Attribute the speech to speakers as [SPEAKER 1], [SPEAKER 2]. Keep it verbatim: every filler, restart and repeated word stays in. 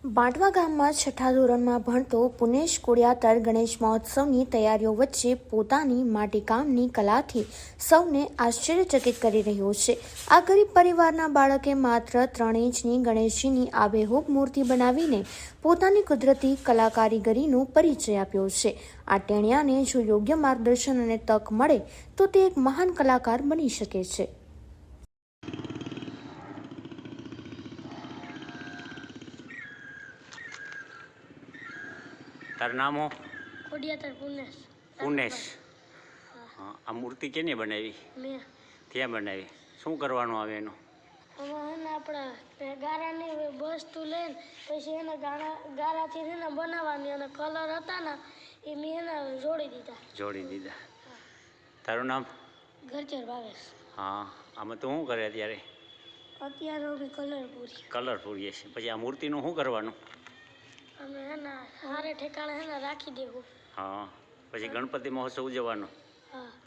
[SPEAKER 1] બાંટવા ગામમાં છઠ્ઠા ધોરણમાં ભણતો પુનેશ કોડિયાતર ગણેશ મહોત્સવની તૈયારીઓ વચ્ચે પોતાની માટીકામની કલાથી સૌને આશ્ચર્યચકિત કરી રહ્યો છે। આ ગરીબ પરિવારના બાળકે માત્ર ત્રણ ઇંચની ગણેશજીની આબેહૂબ મૂર્તિ બનાવીને પોતાની કુદરતી કલાકારીગરીનો પરિચય આપ્યો છે। આ ટેણિયાને જો યોગ્ય માર્ગદર્શન અને તક મળે તો તે એક મહાન કલાકાર બની શકે છે।
[SPEAKER 2] તારું નામ હો?
[SPEAKER 3] કોડિયાતર પુનેશ।
[SPEAKER 2] પુનેશ। હા, આ મૂર્તિ કેને બનાવી?
[SPEAKER 3] મેં।
[SPEAKER 2] ક્યાં બનાવી? શું કરવાનું આવે એનું?
[SPEAKER 3] આમાં હે ને આપણે ગારાની વસ્તુ લઈને પછી એને ગારા ગારાથી છે ને બનાવવાની અને કલર હતા ને એ મેં એને જોડી દીધા
[SPEAKER 2] જોડી દીધા તારું નામ?
[SPEAKER 3] ગરચર ભાવેશ।
[SPEAKER 2] હા, આમાં તું શું કરે અત્યારે?
[SPEAKER 3] અત્યારે અમે કલર પૂરી
[SPEAKER 2] કલર પૂરીએ છીએ। પછી આ મૂર્તિનું શું કરવાનું?
[SPEAKER 3] અમે હે ને સારે ઠેકાણે હે ને રાખી દેવું।
[SPEAKER 2] હા, પછી ગણપતિ મહોત્સવ ઉજવવાનો?
[SPEAKER 3] હા।